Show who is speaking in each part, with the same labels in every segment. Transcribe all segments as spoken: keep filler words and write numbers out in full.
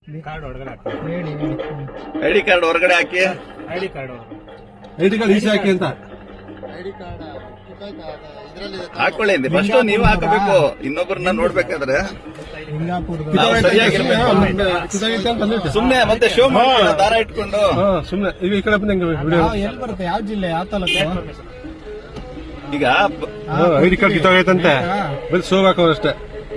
Speaker 1: Card ಹೊರಗಡೆ ಹಾಕಿ.
Speaker 2: ಹೇಳಿ
Speaker 3: ID card ಹೊರಗಡೆ ಹಾಕಿ.
Speaker 1: ID card
Speaker 4: ID card easy ಹಾಕಿ ಅಂತ
Speaker 2: ಐಡಿ ಕಾರ್ಡ್
Speaker 3: ಹಾಕೊಳ್ಳಿ ಫಸ್ಟ್ ನೀವು ಹಾಕಬೇಕು. ಇನ್ನೊಬ್ಬರನ್ನ ನೋಡ್ಬೇಕಾದ್ರೆ
Speaker 2: ಸಿಂಗಾಪುರದ
Speaker 3: ನಾವು ಸರಿಯಾಗಿರ್ಬೇಕು. ಸುಮ್ನೆ ಮತ್ತೆ ಶೋ ಮಾಡಿ ದಾರ ಇಟ್ಕೊಂಡು
Speaker 4: ಸುಮ್ನೆ ಈಗ ಈ ಕಡೆ ಬಂದಂಗೆ ವಿಡಿಯೋ
Speaker 2: ಎಲ್ಲಿ ಬರುತ್ತೆ? ಯಾವ ಜಿಲ್ಲೆ, ಯಾವ ತಾಲೂಕು?
Speaker 3: ಈಗ
Speaker 4: ಐಡಿ ಕಾರ್ಡ್ ಕಿತ್ತೋಗೈತಂತೆ ಬರೀ ಶೋ ಹಾಕೋರಷ್ಟೇ.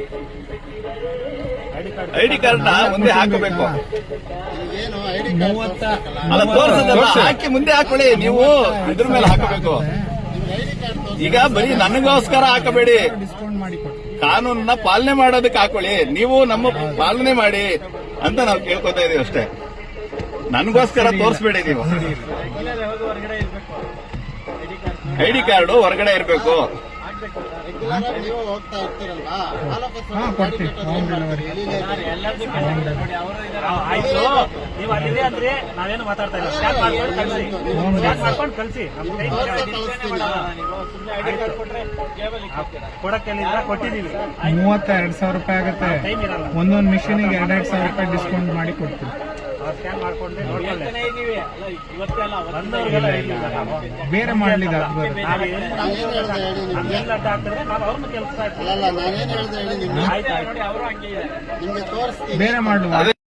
Speaker 3: ಐಡಿ ಕಾರ್ಡ್ ನ ಮುಂದೆ ಹಾಕಬೇಕು.
Speaker 2: ಏನು ಐಡಿ ಮೂವತ್ತ
Speaker 3: ಅಲ್ಲ ತೋರ್ಸದಲ್ಲ, ಹಾಕಿ ಮುಂದೆ ಹಾಕೊಳ್ಳಿ. ನೀವು ಇದ್ರ ಮೇಲೆ ಹಾಕಬೇಕು. ಈಗ ಬರೀ ನನಗೋಸ್ಕರ ಹಾಕಬೇಡಿ,
Speaker 2: ಡಿಸ್ಕೌಂಟ್ ಮಾಡಿ ಕೊಡಿ.
Speaker 3: ಕಾನೂನನ್ನ ಪಾಲನೆ ಮಾಡೋದಕ್ಕೆ ಹಾಕೊಳ್ಳಿ. ನೀವು ನಮ್ಮ ಪಾಲನೆ ಮಾಡಿ ಅಂತ ನಾವು ಕೇಳ್ಕೊತಾ ಇದೀವಿ ಅಷ್ಟೇ. ನನಗೋಸ್ಕರ ತೋರಿಸ್ಬೇಡಿ. ನೀವು ಐಡಿ ಕಾರ್ಡು ಹೊರಗಡೆ ಇರಬೇಕು.
Speaker 2: ನೀವು ಹೋಗ್ತಾ ಇರ್ತೀರಲ್ವಾ? ಹಾ, ಕೊಡ್ತೀವಿ. Home delivery.
Speaker 1: ಆಯ್ತು, ನೀವು ಅಲ್ಲಿದೆ ಅಂದ್ರೆ ನಾವೇನು ಮಾತಾಡ್ತಾ ಇಲ್ಲ. ಸ್ಕ್ಯಾನ್ ಮಾಡ್ಕೊಂಡು ಕಳಿಸಿ, ಸ್ಕ್ಯಾನ್ ಮಾಡ್ಕೊಂಡು ಕಳಿಸಿ. ಕೊಡಕ್ಕೆಲ್ಲ ಕೊಟ್ಟಿದ್ದೀವಿ. ಮೂವತ್ತ ಎರಡ್ ಸಾವಿರ ರೂಪಾಯಿ ಆಗುತ್ತೆ. ಒಂದೊಂದು ಮಿಷಿನಿಗೆ ಎರಡೆರಡು ಸಾವಿರ ರೂಪಾಯಿ ಡಿಸ್ಕೌಂಟ್ ಮಾಡಿ ಕೊಡ್ತೀವಿ. ಸ್ಕ್ಯಾನ್ ಮಾಡ್ಕೊಂಡ್ರೆ ಬೇರೆ ಮಾಡ್ಲಿಕ್ಕೆ ಆಗ್ಬೋದು. ನಾವು ಅವ್ರನ್ನ ಕೆಲಸ
Speaker 2: ನಾನೇನು ಹೇಳಿದೆ ಹೇಳಿ, ನಿಮ್ಗೆ
Speaker 1: ಆಯ್ತು ಆಯ್ತು
Speaker 2: ನಿಮ್ಗೆ ತೋರಿಸ್ತೀನಿ.
Speaker 1: ಬೇರೆ ಮಾಡುವ.